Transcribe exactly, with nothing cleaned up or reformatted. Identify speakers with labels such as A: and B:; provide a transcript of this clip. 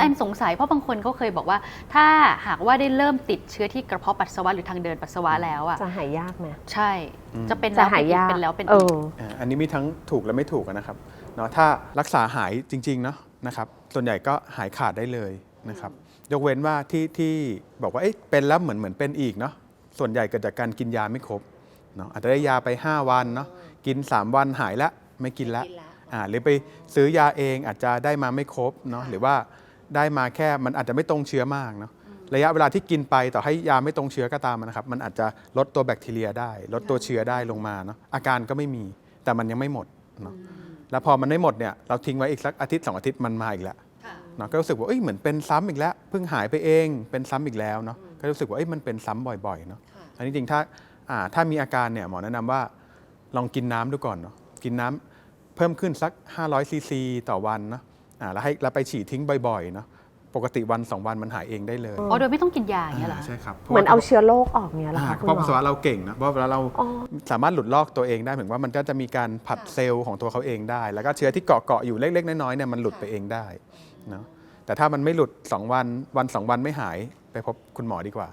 A: แอนสงสัยเพราะบางคนก็เคยบอกว่าถ้าหากว่าได้เริ่มติดเชื้อที่กระเพาะปัสสาวะหรือทางเดินปัสสาวะแล้วอ่ะ
B: จะหายยากไหม
A: ใช่จะเป็น
B: จะ
A: แล้ว
B: หาย
A: เป็นอีก
B: ยาก
A: เป็นแล้วเป็น
B: เอ
A: อีก
B: อ
C: อันนี้มีทั้งถูกและไม่ถูกนะครับเนาะถ้ารักษาหายจริงๆเนาะนะครับส่วนใหญ่ก็หายขาดได้เลยนะครับยกเว้นว่าที่ที่บอกว่าเอ๊ะเป็นแล้วเหมือนเหมือนเป็นอีกเนาะส่วนใหญ่เกิดจากการกินยาไม่ครบเนาะอาจจะได้ยาไปห้าวันเนาะกินสามวันหายละไม่กินละอ่าหรือไปซื้อยาเองอาจจะได้มาไม่ครบเนาะหรือว่าได้มาแค่มันอาจจะไม่ตรงเชื้อมากเนาะระยะเวลาที่กินไปต่อให้ยาไม่ตรงเชื้อก็ตามนะครับมันอาจจะลดตัวแบคทีเรียได้ลดตัวเชื้อได้ลงมาเนาะอาการก็ไม่มีแต่มันยังไม่หมดเนาะแล้วพอมันไม่หมดเนี่ยเราทิ้งไว้อีกสักอาทิตย์สองอาทิตย์มันมาอีกแล้วเนาะก็รู้สึกว่าเอ้ยเหมือนเป็นซ้ำอีกแล้วเพิ่งหายไปเองเป็นซ้ำอีกแล้วเนาะก็รู้สึกว่าเอ้ยมันเป็นซ้ำบ่อยๆเนาะอันนี้จริงๆถ้าอ่าถ้ามีอาการเนี่ยหมอแนะนำว่าลองกินน้ำดูก่อนเนาะกินน้ำเพิ่มขึ้นสักห้าร้อยซีซีต่อวันเนาะอ่าแล้วให้แล้วไปฉี่ทิ้งบ่อยๆเนาะปกติวันสองวันมันหายเองได้เลย
A: อ๋อโดยไม่ต้องกินยาอย่างเงี้ยเหรอ
C: ใช่ครับ
B: เหมือนเอาเชื้อโรคออกเนี่ยเหรอ
C: อ่า
B: คะคุณ
C: เพราะ
B: หม
C: ปัส
B: อ
C: สาวะเราเก่งนะเพราะเวลาเรา
B: อ๋อ
C: สามารถหลุดลอกตัวเองได้เหมือนว่ามันก็จะมีการผัดเซลล์ของตัวเขาเองได้ แล้วก็เชื้อที่เกาะเกาะอยู่เล็กๆน้อยๆเนี่ยมันหลุดไปเองได้เนาะแต่ถ้ามันไม่หลุดสองวันวันสองวันไม่หายไปพบคุณหมอดีกว่า